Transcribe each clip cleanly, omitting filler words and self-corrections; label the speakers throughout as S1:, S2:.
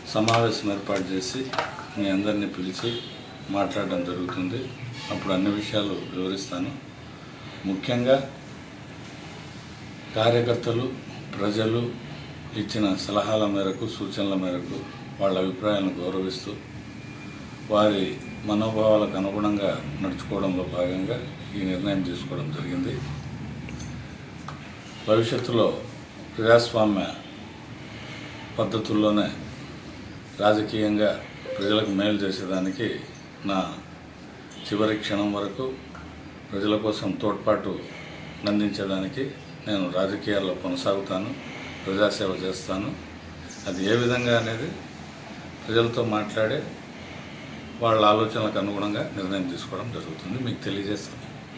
S1: సమావేశం ఏర్పాటు చేసి మీ అందరినీ పిలిచి మాట్లాడడం జరుగుతుంది. అప్పుడు అన్ని విషయాలు వివరిస్తాను. ముఖ్యంగా కార్యకర్తలు, ప్రజలు ఇచ్చిన సలహాల మేరకు, సూచనల మేరకు, వాళ్ళ అభిప్రాయాలను గౌరవిస్తూ వారి మనోభావాలకు అనుగుణంగా నడుచుకోవడంలో భాగంగా ఈ నిర్ణయం తీసుకోవడం జరిగింది. భవిష్యత్తులో ప్రజాస్వామ్య పద్ధతుల్లోనే రాజకీయంగా ప్రజలకు మేలు చేసేదానికి నా చివరి క్షణం వరకు ప్రజల కోసం తోడ్పాటు అందించేదానికి నేను రాజకీయాల్లో కొనసాగుతాను, ప్రజాసేవ చేస్తాను. అది ఏ విధంగా అనేది ప్రజలతో మాట్లాడే వాళ్ళ ఆలోచనలకు అనుగుణంగా నిర్ణయం తీసుకోవడం జరుగుతుంది. మీకు తెలియజేస్తాను.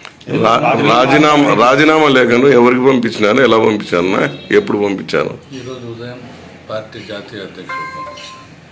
S2: రాజీనామా లేఖను ఎవరికి పంపించినారు, ఎలా పంపించారు, ఎప్పుడు పంపించారు?
S1: ఈరోజు ఉదయం పార్టీ జాతీయ అధ్యక్షుడు పంపించారు.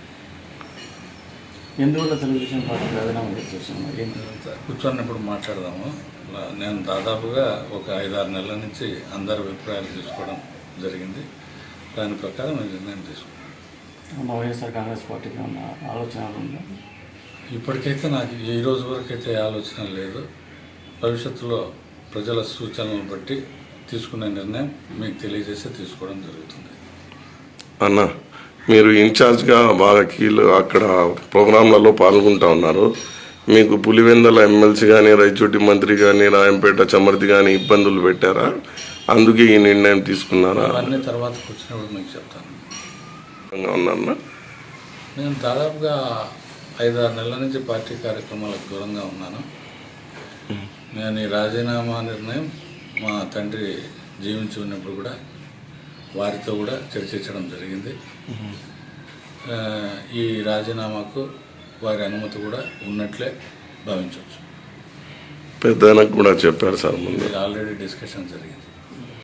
S3: ఎందువల్ల తెలుగుదేశం పార్టీ రాజీనామా చేసేసాము?
S1: కూర్చొని మాట్లాడదాము. నేను దాదాపుగా ఒక 5-6 నెలల నుంచి అందరి అభిప్రాయాలు తీసుకోవడం జరిగింది. దాని ప్రకారం నిర్ణయం తీసుకున్నాను.
S3: వైఎస్ఆర్ కాంగ్రెస్ పార్టీకి ఉన్న ఆలోచనలు ఉందా?
S1: ఇప్పటికైతే నాకు ఈ రోజు వరకు అయితే ఆలోచన లేదు. భవిష్యత్తులో ప్రజల సూచనలను బట్టి తీసుకునే నిర్ణయం మీకు తెలియజేసి తీసుకోవడం జరుగుతుంది.
S2: అన్న, మీరు ఇన్ఛార్జ్గా బాగా అక్కడ ప్రోగ్రాంలలో పాల్గొంటూ ఉన్నారు. మీకు పులివెందల ఎమ్మెల్సీ కానీ, రైచోటి మంత్రి కానీ, రాయంపేట చమర్తి కానీ ఇబ్బందులు పెట్టారా? అందుకే ఈ నిర్ణయం తీసుకున్నారా?
S1: అవన్నీ తర్వాత కూర్చున్నప్పుడు మీకు చెప్తాను.
S2: ఉన్నారన్నా,
S1: నేను దాదాపుగా 5-6 నెలల నుంచి పార్టీ కార్యక్రమాలకు దూరంగా ఉన్నాను. నేను ఈ రాజీనామా నిర్ణయం మా తండ్రి జీవించి ఉన్నప్పుడు కూడా వారితో కూడా చర్చించడం జరిగింది. ఈ రాజీనామాకు వారి అనుమతి కూడా ఉన్నట్లే భావించవచ్చు.
S2: పెద్దనకు కూడా చెప్పారు సార్, ముందు
S1: ఆల్రెడీ డిస్కషన్ జరిగింది.